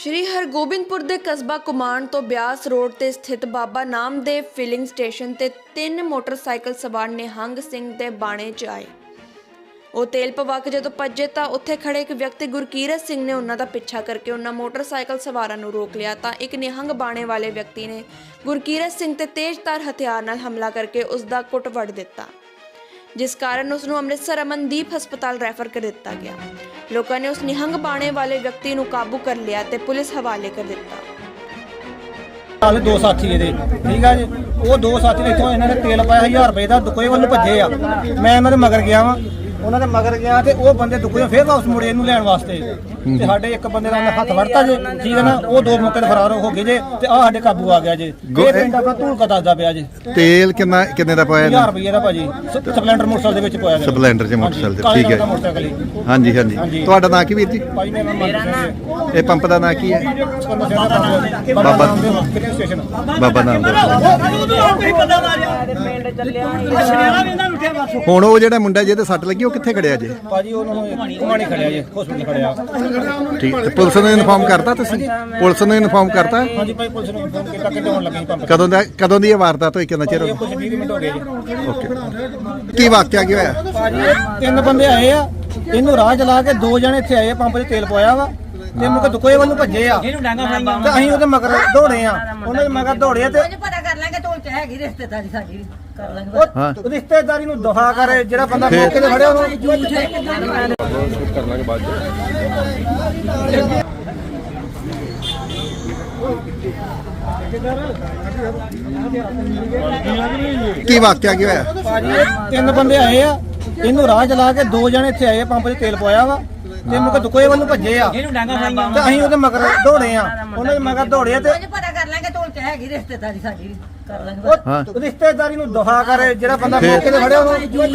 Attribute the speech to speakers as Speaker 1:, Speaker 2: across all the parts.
Speaker 1: ਸ਼੍ਰੀ ਹਰਗੋਬਿੰਦਪੁਰ ਦੇ ਕਸਬਾ ਕੁਮਾਨ ਤੋਂ ਬਿਆਸ ਰੋਡ ਤੇ ਸਥਿਤ ਬਾਬਾ ਨਾਮਦੇਵ ਫਿਲਿੰਗ ਸਟੇਸ਼ਨ ਤੇ 3 ਮੋਟਰਸਾਈਕਲ ਸਵਾਰ ਨਿਹੰਗ ਸਿੰਘ ਦੇ ਬਾਣੇ 'ਚ ਆਏ। ਉਹ ਤੇਲ ਪਵਾ ਕੇ ਜਦੋਂ ਭੱਜੇ ਤਾਂ ਉੱਥੇ ਖੜੇ ਇੱਕ ਵਿਅਕਤੀ ਗੁਰਕੀਰਤ ਸਿੰਘ ਨੇ ਉਹਨਾਂ ਦਾ ਪਿੱਛਾ ਕਰਕੇ ਉਹਨਾਂ ਮੋਟਰਸਾਈਕਲ ਸਵਾਰਾਂ ਨੂੰ ਰੋਕ ਲਿਆ ਤਾਂ ਇੱਕ ਨਿਹੰਗ ਬਾਣੇ ਵਾਲੇ ਵਿਅਕਤੀ ਨੇ ਗੁਰਕੀਰਤ ਸਿੰਘ ਤੇ ਤੇਜ਼ਧਾਰ ਹਥਿਆਰ ਨਾਲ ਹਮਲਾ ਕਰਕੇ ਉਸ ਦਾ ਕੁੱਟ ਵੱਢ ਦਿੱਤਾ, ਜਿਸ ਕਾਰਨ ਉਸ ਨੂੰ ਅੰਮ੍ਰਿਤਸਰ ਅਮਨਦੀਪ ਹਸਪਤਾਲ ਰੈਫਰ ਕਰ ਦਿੱਤਾ ਗਿਆ। ਲੋਕਾਂ ਨੇ ਉਸ ਨਿਹੰਗ ਬਾਣੇ ਵਾਲੇ ਵਿਅਕਤੀ ਨੂੰ ਕਾਬੂ ਕਰ ਲਿਆ ਤੇ ਪੁਲਿਸ ਹਵਾਲੇ ਕਰ ਦਿੱਤਾ।
Speaker 2: ਹਾਲੇ ਦੋ ਸਾਥੀ ਇਹਦੇ ਠੀਕ ਆ ਜੀ। ਉਹ ਦੋ ਸਾਥੀ ਇੱਥੋਂ ਇਹਨਾਂ ਨੇ ਤੇਲ ਪਾਇਆ 1000 ਰੁਪਏ ਦਾ ਦੁਕੋਏ ਵੱਲ ਨੂੰ ਭੱਜੇ ਆ। ਮੈਂ ਇਹਨਾਂ ਦੇ ਮਗਰ ਗਿਆ ਵਾਂ, ਉਹਨਾਂ ਦੇ ਮਗਰ ਗਿਆ ਤੇ ਉਹ ਬੰਦੇ ਦੁਕੋਏ ਫੇਰ ਵਾਪਸ ਮੁੜੇ ਇਹਨੂੰ ਲੈਣ ਵਾਸਤੇ ਤੇ ਸਾਡੇ ਇੱਕ ਬੰਦੇ ਦਾ ਹੱਥ ਵੜਤਾ ਜੇ ਠੀਕ ਹੈ ਨਾ। ਉਹ ਦੋ ਮੌਕੇ ਤੇ ਫਰਾਰ ਹੋ ਗਏ ਜੇ ਤੇ ਆ ਸਾਡੇ ਕਾਬੂ ਆ ਗਿਆ ਜੇ। ਇਹ ਪਿੰਡ ਆਪਣਾ ਧੂਲਕਾ ਦੱਸਦਾ ਪਿਆ ਜੇ।
Speaker 3: ਤੇਲ ਕਿੰਨੇ ਦਾ ਪਾਇਆ
Speaker 2: 1000 ਰੁਪਏ ਦਾ ਭਾਜੀ ਸਪਲੈਂਡਰ ਮੋਟਰਸਾਈਕਲ ਦੇ ਵਿੱਚ ਪਾਇਆ ਗਿਆ।
Speaker 3: ਸਪਲੈਂਡਰ ਚ ਮੋਟਰਸਾਈਕਲ ਤੇ ਠੀਕ ਹੈ। ਹਾਂਜੀ ਹਾਂਜੀ। ਤੁਹਾਡਾ ਨਾਂ ਕੀ ਵੀਰ ਜੀ?
Speaker 2: ਭਾਜੀ ਮੇਰਾ ਨਾਮ
Speaker 3: ਇਹ ਪੰਪ ਦਾ ਨਾਂ ਕੀ ਹੈ?
Speaker 2: ਬਾਬਾ ਨਾਮਦੇਵ ਸਟੇਸ਼ਨ।
Speaker 3: ਬਾਬਾ ਨਾਮਦੇਵ। ਹੁਣ ਉਹ ਜਿਹੜਾ ਮੁੰਡਾ ਜਿਹਦੇ ਸੱਟ ਲੱਗੀ ਉਹ ਕਿੱਥੇ ਖੜਿਆ ਜੇ?
Speaker 2: ਭਾਜੀ ਉਹਨੂੰ ਕੁਮਾਣੀ ਖੜਿਆ ਜੇ, ਹਸਪੀਟਲ ਖੜਿਆ।
Speaker 3: ਠੀਕ ਤੇ ਪੁਲਿਸ ਨੂੰ ਇਨਫਾਰਮ ਕਰਤਾ ਤੁਸੀਂ? ਪੁਲਿਸ ਨੂੰ ਇਨਫਾਰਮ ਕਰਤਾ?
Speaker 2: ਹਾਂਜੀ ਭਾਈ ਪੁਲਿਸ ਨੂੰ ਇਨਫਾਰਮ ਕੀਤਾ ਕਿ ਆਉਣ ਲੱਗੇ ਪੰਪ।
Speaker 3: ਕਦੋਂ ਦੀ ਇਹ ਵਾਰਦਾਤ ਹੋਈ? ਕਿੰਨਾ ਚਿਰ ਹੋ ਗਿਆ?
Speaker 2: ਕੁਝ 20 ਮਿੰਟ ਹੋ ਗਏ ਜੀ।
Speaker 3: ਓਕੇ। ਕੀ ਵਾਕਿਆ ਕੀ ਹੋਇਆ?
Speaker 2: ਭਾਜੀ 3 ਬੰਦੇ ਆਏ ਆ, ਇਹਨੂੰ ਰਾਹ ਚਲਾ ਕੇ 2 ਜਣੇ ਇੱਥੇ ਆਏ, ਪੰਪ 'ਚ ਤੇਲ ਪਵਾਇਆ ਵਾ ਤੇ ਮੁੜ ਕੇ ਦੁਕੋਏ ਵੱਲ ਨੂੰ ਭੱਜੇ ਆ ਤੇ ਅਸੀਂ ਉਹਦੇ ਮਗਰ ਦੌੜੇ ਆ। ਉਹਨਾਂ ਦੇ ਮਗਰ ਦੌੜੇ ਤੇ
Speaker 4: ਪਤਾ ਕਰ ਲਾਂਗੇ ਢੋਲ ਚ ਹੈਗੀ ਰਿਸ਼ਤੇਦਾਰੀ ਸਾਡੀ ਕਰ ਲਾਂਗੇ।
Speaker 2: ਉਹ ਰਿਸ਼ਤੇਦਾਰੀ ਨੂੰ ਦਫਾ ਕਰੇ ਜਿਹੜਾ ਬੰਦਾ ਮੌਕੇ ਤੇ ਫੜਿਆ ਉਹਨੂੰ
Speaker 5: ਕਰਨਾਂਗੇ ਬਾਅਦ
Speaker 3: ਕੀ ਵਾਕਿਆ ਕੀ ਹੋਇਆ?
Speaker 2: ਭਾਜੀ 3 ਬੰਦੇ ਆਏ ਆ, ਇਹਨੂੰ ਰਾਹ ਚਲਾ ਕੇ 2 ਜਣੇ ਇੱਥੇ ਆਏ, ਪੰਪ 'ਚ ਤੇਲ ਪਵਾਇਆ ਵਾ ਤੇ ਮੁੜ ਕੇ ਦੁਕੋਏ ਵੱਲ ਨੂੰ ਭੱਜੇ ਆ ਤੇ ਅਸੀਂ ਉਹਦੇ ਮਗਰ ਦੌੜੇ ਆ। ਉਹਨਾਂ ਦੇ ਮਗਰ ਦੌੜੇ ਤੇ
Speaker 4: ਪਤਾ ਕਰ ਲਾਂਗੇ ਢੋਲ ਚ ਹੈਗੀ ਰਿਸ਼ਤੇਦਾਰੀ ਸਾਡੀ ਕਰ ਲਾਂਗੇ।
Speaker 2: ਉਹ ਰਿਸ਼ਤੇਦਾਰੀ ਨੂੰ ਦਫਾ ਕਰੇ ਜਿਹੜਾ ਬੰਦਾ ਮੌਕੇ ਤੇ ਫੜਿਆ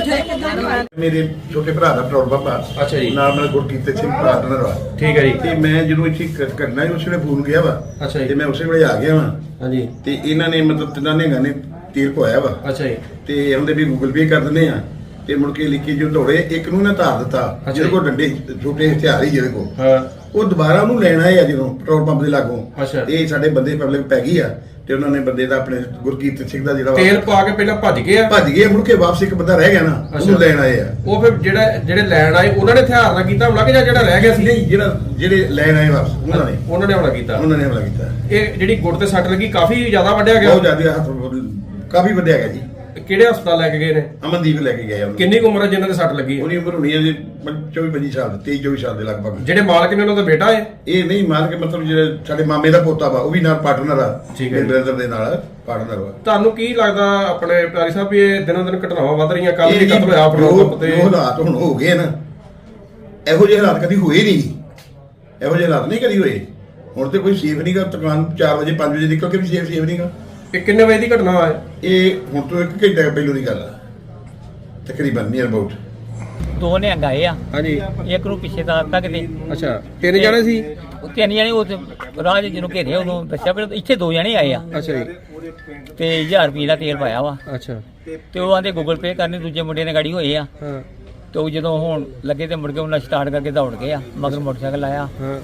Speaker 2: ਉਹਨੂੰ।
Speaker 6: ਮੇਰੇ ਛੋਟੇ ਭਰਾ ਦਾ ਪੈਟਰੋਲ ਪੰਪ ਆ।
Speaker 5: ਅੱਛਾ ਜੀ।
Speaker 6: ਨਾਲ ਨਾਲ ਗੁਰਕੀਰਤ ਸਿੰਘ ਪਾਰਟਨਰ ਵਾ।
Speaker 5: ਠੀਕ ਹੈ ਜੀ।
Speaker 6: ਤੇ ਮੈਂ ਜਦੋਂ ਇੱਥੇ ਕਰਨਾ ਸੀ ਉਸ ਵੇਲੇ ਫੋਨ ਗਿਆ ਵਾ।
Speaker 5: ਅੱਛਾ ਜੀ।
Speaker 6: ਤੇ ਮੈਂ ਉਸੇ ਵੇਲੇ ਆ ਗਿਆ ਵਾ।
Speaker 5: ਹਾਂਜੀ।
Speaker 6: ਤੇ ਇਹਨਾਂ ਨੇ ਮਤਲਬ ਤਿੰਨਾਂ ਨੇ ਤੀਰ ਪਵਾਇਆ ਵਾ।
Speaker 5: ਅੱਛਾ ਜੀ।
Speaker 6: ਤੇ ਉਹਦੇ ਵੀ ਗੂਗਲ ਪੇ ਕਰ ਦਿੰਦੇ ਆ ਤੇ ਮੁੜ ਕੇ ਲਿਖੀ ਜੋ ਦੌੜੇ ਇੱਕ ਨੂੰ ਨਾ ਧਾਰ ਦਿੱਤਾ ਜਿਹਦੇ ਕੋਲ ਡੰਡੇ ਛੋਟੇ ਹਥਿਆਰ ਹੀ ਜਿਹਦੇ ਕੋਲ।
Speaker 5: ਹਾਂ।
Speaker 6: ਉਹ ਦੁਬਾਰਾ ਉਹਨੂੰ ਲੈਣ ਆਏ ਆ ਜਦੋਂ ਪੈਟਰੋਲ ਪੰਪ ਦੇ ਲਾਗੋਂ।
Speaker 5: ਅੱਛਾ।
Speaker 6: ਇਹ ਸਾਡੇ ਬੰਦੇ ਪਬਲਿਕ ਪੈ ਗਈ ਆ ਤੇ ਉਹਨਾਂ ਨੇ ਬੰਦੇ ਦਾ ਆਪਣੇ ਗੁਰਕੀਰਤ ਸਿੰਘ ਦਾ ਜਿਹੜਾ
Speaker 5: ਤੇਲ ਪਾ ਕੇ ਪਹਿਲਾਂ ਭੱਜ ਗਏ ਆ।
Speaker 6: ਭੱਜ ਗਏ, ਮੁੜ ਕੇ ਵਾਪਸ ਇੱਕ ਬੰਦਾ ਰਹਿ ਗਿਆ ਨਾ, ਉਹਨੂੰ ਲੈਣ ਆਏ ਆ।
Speaker 5: ਉਹ ਫਿਰ ਜਿਹੜੇ ਲੈਣ ਆਏ ਉਹਨਾਂ ਨੇ ਹਥਿਆਰ ਨਾਲ ਕੀਤਾ ਹਮਲਾ ਕਿ ਜਾਂ ਜਿਹੜਾ ਰਹਿ ਗਿਆ ਸੀ?
Speaker 6: ਨਹੀਂ, ਜਿਹੜੇ ਲੈਣ ਆਏ ਵਾਪਸ ਉਹਨਾਂ ਨੇ
Speaker 5: ਹਮਲਾ ਕੀਤਾ।
Speaker 6: ਉਹਨਾਂ ਨੇ ਹਮਲਾ ਕੀਤਾ।
Speaker 5: ਇਹ ਜਿਹੜੀ ਗੁੱਟ ਤੇ ਸੱਟ ਲੱਗੀ ਕਾਫੀ ਜ਼ਿਆਦਾ ਵੱਢਿਆ ਗਿਆ।
Speaker 6: ਬਹੁਤ ਜ਼ਿਆਦਾ ਹੱਥ ਕਾਫੀ ਵੱਡਿਆ ਗਿਆ ਜੀ।
Speaker 5: ਕਿਹੜੇ ਹਸਪਤਾਲ ਲੈ ਕੇ ਗਏ ਨੇ?
Speaker 6: ਅਮਨਦੀਪ ਲੈ ਕੇ ਗਏ ਉਹਨੂੰ।
Speaker 5: ਕਿੰਨੀ ਕੁ ਉਮਰ ਹੈ ਜਿਨ੍ਹਾਂ ਦੇ ਸੱਟ ਲੱਗੀ?
Speaker 6: ਉਹਦੀ ਉਮਰ ਹੋਣੀ ਹੈ ਜੀ 24-25 ਸਾਲ, 23-24 ਸਾਲ ਦੇ ਲਗਭਗ।
Speaker 5: ਜਿਹੜੇ ਮਾਲਕ ਨੇ ਉਹਨਾਂ ਦਾ ਬੇਟਾ ਹੈ?
Speaker 6: ਇਹ ਨਹੀਂ ਮਾਰ ਕੇ ਮਤਲਬ ਜਿਹੜੇ ਸਾਡੇ ਮਾਮੇ ਦਾ ਪੋਤਾ ਵਾ ਉਹ ਵੀ ਨਾਲ ਪਾਰਟਨਰ ਆ।
Speaker 5: ਠੀਕ ਹੈ।
Speaker 6: ਬ੍ਰਦਰ ਦੇ ਨਾਲ ਪਾਰਟਨਰ ਵਾ।
Speaker 5: ਤੁਹਾਨੂੰ ਕੀ ਲੱਗਦਾ ਆਪਣੇ ਪਿਆਰੀ ਸਾਹਿਬ ਵੀ ਇਹ ਦਿਨੋਂ ਦਿਨ ਘਟਨਾਵਾਂ ਵੱਧ ਰਹੀਆਂ? ਕੱਲ ਵੀ ਕਤਲ ਹੋਇਆ ਪੈਟਰੋਲ ਪੰਪ ਤੇ।
Speaker 6: ਉਹ ਹਾਲਾਤ ਹੁਣ ਹੋ ਗਏ ਨਾ, ਇਹੋ ਜਿਹੇ ਹਾਲਾਤ ਕਦੀ ਹੋਏ ਨਹੀਂ। ਇਹੋ ਜਿਹੇ ਹਾਲਾਤ ਨਹੀਂ ਕਦੀ ਹੋਏ। ਹੁਣ ਤੇ ਕੋਈ ਸੇਫ ਨਹੀਂਗਾ। ਦੁਕਾਨ 4 ਵਜੇ 5 ਵਜੇ ਨਿਕਲ ਕੇ ਵੀ ਸੇਫ ਨਹੀਂਗਾ।
Speaker 5: ਇਹ ਕਿੰਨੇ ਵਜੇ ਦੀ ਘਟਨਾ ਹੈ?
Speaker 6: ਇਹ ਹੁਣ ਤੋਂ 1 ਘੰਟਾ ਪਹਿਲੋਂ ਦੀ ਗੱਲ ਆ ਤਕਰੀਬਨ, ਨੀਅਰ ਅਬਾਊਟ।
Speaker 7: 2 ਨਿਹੰਗ ਆਏ ਆ,
Speaker 5: ਹਾਂਜੀ।
Speaker 7: ਇੱਕ ਨੂੰ ਪਿੱਛੇ ਤਾਰਤਾ ਕਿਤੇ।
Speaker 5: ਅੱਛਾ। 3 ਜਣੇ ਸੀ?
Speaker 7: ਉਹ 3 ਜਣੇ ਉਹ ਰਾਹ ਜਿਹਨੂੰ ਘੇਰਿਆ ਉਦੋਂ ਦੱਸਿਆ ਪਰ ਇੱਥੇ 2 ਜਣੇ ਆਏ ਆ
Speaker 5: ਅੱਛਾ ਜੀ।
Speaker 7: ਤੇ 1000 ਰੁਪਏ ਦਾ ਤੇਲ ਪਾਇਆ ਵਾ
Speaker 5: ਅੱਛਾ।
Speaker 7: ਤੇ ਉਹ ਆਂਦੇ ਗੂਗਲ ਪੇ ਕਰਨੇ, ਦੂਜੇ ਮੁੰਡੇ ਨੇ ਗਾੜੀ ਹੋਏ ਆ।
Speaker 5: ਹਾਂ।
Speaker 7: ਤੇ ਉਹ ਜਦੋਂ ਹੁਣ ਲੱਗੇ ਤੇ ਮੁੜ ਕੇ ਉਹਨਾਂ ਸਟਾਰਟ ਕਰਕੇ ਦੌੜ ਗਏ ਆ, ਮਗਰ ਮੋਟਰਸਾਈਕਲ ਆਇਆ
Speaker 5: ਹਾਂ।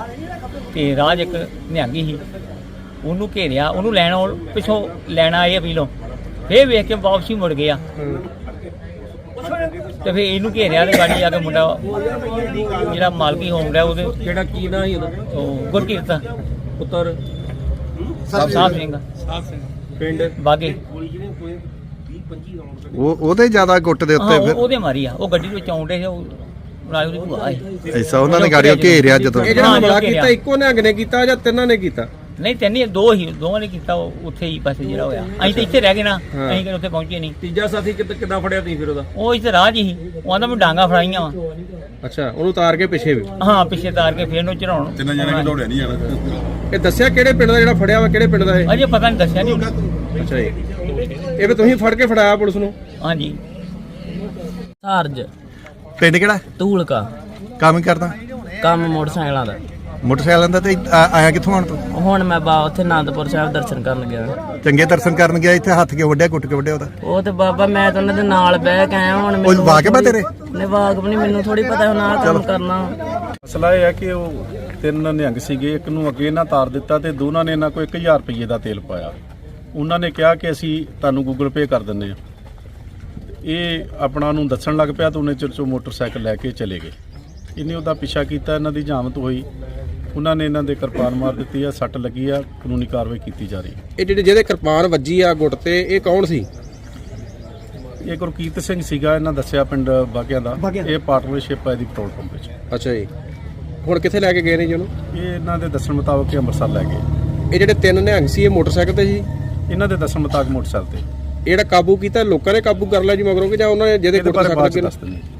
Speaker 7: ਤੇ ਰਾਹ 'ਚ ਇੱਕ ਨਿਹੰਗੀ ਸੀ, ਉਹਨੂੰ ਘੇਰਿਆ, ਉਹਨੂੰ ਪਿੱਛੋਂ ਲੈਣਾ ਆਏ ਅਪੀਲੋਂ, ਫੇਰ ਵੇਖ ਕੇ ਵਾਪਸੀ ਮੁੜ ਗਏ ਆ। ਤੇ ਫੇਰ ਇਹਨੂੰ ਘੇਰਿਆ ਤੇ ਗਾੜੀ ਆ ਕੇ ਮੁੰਡਾ ਜਿਹੜਾ ਮਾਲਕੀ ਹੋਮ ਰਿਹਾ ਉਹਦੇ
Speaker 5: ਕਿਹੜਾ ਕੀ ਨਾਂ ਸੀ ਉਹਦਾ?
Speaker 7: ਉਹ ਗੁਰਕੀਰਤ
Speaker 5: ਪੁੱਤਰ
Speaker 7: ਸਾਹਿਬ ਸਿੰਘ
Speaker 5: ਪਿੰਡ
Speaker 7: ਬਾਗੇ।
Speaker 3: ਉਹਦੇ ਜ਼ਿਆਦਾ ਗੁੱਟ ਦੇ ਉੱਤੇ ਫਿਰ
Speaker 7: ਉਹਦੇ ਮਾਰੀ ਆ। ਉਹ ਗੱਡੀ ਵਿੱਚ ਆਉਂਦੇ ਸੀ, ਉਹ ਨਾਲ ਉਹਦੀ ਭੂਆ ਸੀ।
Speaker 3: ਐਸਾ ਉਹਨਾਂ ਨੇ ਗਾੜੀਆਂ ਘੇਰਿਆ ਜਦੋਂ?
Speaker 5: ਇਹ ਜਿਹੜਾ
Speaker 7: ਹਾਂ,
Speaker 5: ਹਮਲਾ
Speaker 7: ਘੇਰਿਆ।
Speaker 5: ਕੀਤਾ ਇੱਕੋ ਨਿਹੰਗ ਨੇ ਕੀਤਾ ਜਾਂ ਤਿੰਨਾਂ ਨੇ ਕੀਤਾ?
Speaker 7: ਨਹੀਂ 3 ਹੀ 2 ਹੀ, ਦੋਵਾਂ ਨੇ ਕੀਤਾ। ਉਹ ਉੱਥੇ ਹੀ ਬਸ ਜਿਹੜਾ ਹੋਇਆ। ਅਸੀਂ ਤਾਂ ਇੱਥੇ ਰਹਿ ਗਏ ਨਾ, ਅਸੀਂ ਕਿਤੇ ਉੱਥੇ ਪਹੁੰਚੇ ਨਹੀਂ।
Speaker 5: ਤੀਜਾ ਸਾਥੀ ਕਿੱਦਾਂ ਫੜਿਆ ਤੁਸੀਂ ਫਿਰ ਉਹਦਾ?
Speaker 7: ਉਹ ਇੱਥੇ ਰਾਹ 'ਚ ਹੀ, ਉਹ ਆਂਦਾ ਮੈਂ ਡਾਂਗਾ ਫੜਾਈਆਂ ਵਾ।
Speaker 5: ਅੱਛਾ। ਉਹਨੂੰ ਉਤਾਰ ਕੇ ਪਿੱਛੇ ਵੀ?
Speaker 7: ਹਾਂ, ਪਿੱਛੇ ਤਾਰ ਕੇ ਫੇਰ ਨੂੰ ਚੜਾਉਣ।
Speaker 6: ਤਿੰਨਾਂ ਜਣੇ ਨੂੰ ਦੌੜਿਆ ਨਹੀਂ ਜਾਣਾ।
Speaker 5: ਇਹ ਦੱਸਿਆ ਕਿਹੜੇ ਪਿੰਡ ਦਾ ਜਿਹੜਾ ਫੜਿਆ ਵਾ? ਕਿਹੜੇ ਪਿੰਡ ਦਾ ਇਹ?
Speaker 7: ਅਜੇ ਪਤਾ ਨਹੀਂ, ਦੱਸਿਆ ਨਹੀਂ।
Speaker 5: ਅੱਛਾ ਜੀ। ਇਹ ਵੀ ਤੁਸੀਂ ਫੜ ਕੇ ਫੜਾਇਆ ਪੁਲਿਸ ਨੂੰ?
Speaker 7: ਹਾਂਜੀ।
Speaker 8: ਚਾਰਜ
Speaker 3: ਪਿੰਡ ਕਿਹੜਾ?
Speaker 8: ਧੂਲਕਾ।
Speaker 3: ਕੰਮ ਕਰਦਾ?
Speaker 8: ਕੰਮ ਮੋਟਰਸਾਈਕਲਾਂ ਦਾ।
Speaker 3: ਮੋਟਰਸਾਈਕਲਾਂ ਦਾ। ਤੇ ਆਇਆ ਕਿੱਥੋਂ ਆਣ ਤੂੰ?
Speaker 8: ਹੁਣ ਮੈਂ ਉੱਥੇ ਆਨੰਦਪੁਰ ਸਾਹਿਬ ਦਰਸ਼ਨ ਕਰਨ ਗਿਆ।
Speaker 3: ਚੰਗੇ ਦਰਸ਼ਨ ਕਰਨ ਗਿਆ? ਇੱਥੇ ਹੱਥ ਕਿਉਂ ਵੱਢਿਆ, ਕੁੱਟ ਕੇ ਵੱਢਿਆ ਉਹਦਾ?
Speaker 8: ਉਹ ਤੇ ਬਾਬਾ ਮੈਂ ਤਾਂ ਉਹਨਾਂ ਦੇ ਨਾਲ ਬਹਿ ਕੇ ਆਇਆ। ਹੁਣ
Speaker 3: ਉਹ ਵਾਕਿਬ ਆ ਤੇਰੇ?
Speaker 8: ਨਹੀਂ ਵਾਕਿਬ ਨਹੀਂ, ਮੈਨੂੰ ਥੋੜੀ ਪਤਾ ਹੁਣ ਆਹ ਕੰਮ ਕਰਨਾ।
Speaker 9: ਮਸਲਾ ਇਹ ਹੈ ਕਿ ਉਹ 3 ਨਿਹੰਗ ਸੀਗੇ, ਇੱਕ ਨੂੰ ਅੱਗੇ ਨਾ ਤਾਰ ਦਿੱਤਾ ਤੇ ਦੋਨਾਂ ਨੇ ਇਹਨਾਂ ਕੋਲ 1000 ਰੁਪਏ ਦਾ ਤੇਲ ਪਾਇਆ। ਉਹਨਾਂ ਨੇ ਕਿਹਾ ਕਿ ਅਸੀਂ ਤੁਹਾਨੂੰ ਗੂਗਲ ਪੇ ਕਰ ਦਿੰਦੇ ਹਾਂ। ਇਹ ਆਪਣਾ ਨੂੰ ਦੱਸਣ ਲੱਗ ਪਿਆ ਤਾਂ ਉਹਨੇ ਚਿਰ 'ਚੋਂ ਮੋਟਰਸਾਈਕਲ ਲੈ ਕੇ ਚਲੇ ਗਏ। ਇਹਨੇ ਉਹਦਾ ਪਿੱਛਾ ਕੀਤਾ, ਇਹਨਾਂ ਦੀ ਜਾਮਤ ਹੋਈ, ਉਹਨਾਂ ਨੇ ਇਹਨਾਂ ਦੇ ਕਿਰਪਾਨ ਮਾਰ ਦਿੱਤੀ ਆ, ਸੱਟ ਲੱਗੀ ਆ, ਕਾਨੂੰਨੀ ਕਾਰਵਾਈ ਕੀਤੀ ਜਾ ਰਹੀ ਹੈ।
Speaker 10: ਇਹ ਜਿਹਦੇ ਕਿਰਪਾਨ ਵੱਜੀ ਆ ਗੁੱਟ ਤੇ, ਇਹ ਕੌਣ ਸੀ?
Speaker 9: ਇਹ ਗੁਰਕੀਰਤ ਸਿੰਘ ਸੀਗਾ, ਇਹਨਾਂ ਦੱਸਿਆ ਪਿੰਡ ਬਾਗਿਆਂ ਦਾ। ਇਹ ਪਾਰਟਨਰਸ਼ਿਪ ਹੈ ਦੀ ਪੈਟਰੋਲ ਪੰਪ ਵਿੱਚ।
Speaker 10: ਅੱਛਾ ਜੀ, ਹੁਣ ਕਿੱਥੇ ਲੈ ਕੇ ਗਏ ਨੇ ਜੀ ਉਹਨੂੰ?
Speaker 9: ਇਹ ਇਹਨਾਂ ਦੇ ਦੱਸਣ ਮੁਤਾਬਕ ਇਹ ਅੰਮ੍ਰਿਤਸਰ ਲੈ ਗਏ।
Speaker 10: ਇਹ ਜਿਹੜੇ 3 ਨਿਹੰਗ ਸੀ ਇਹ ਮੋਟਰਸਾਈਕਲ ਤੇ ਸੀ?
Speaker 9: ਇਹਨਾਂ ਦੇ ਦੱਸਣ ਮੁਤਾਬਕ ਮੋਟਰਸਾਈਕਲ ਤੇ।
Speaker 10: ਇਹ ਜਿਹੜਾ ਕਾਬੂ ਕੀਤਾ ਲੋਕਾਂ ਨੇ ਕਾਬੂ ਕਰ ਲਿਆ ਜੀ ਮਗਰੋਂ ਕਿ ਜਾਂ ਉਹਨਾਂ ਨੇ ਜਿਹਦੇ
Speaker 9: ਇਹਦੇ
Speaker 10: ਗੁੱਟ
Speaker 9: ਬਾਰੇ ਬਾਅਦ ਚ
Speaker 10: ਸੱਟ
Speaker 9: ਦੱਸ ਦਿੰਦੇ।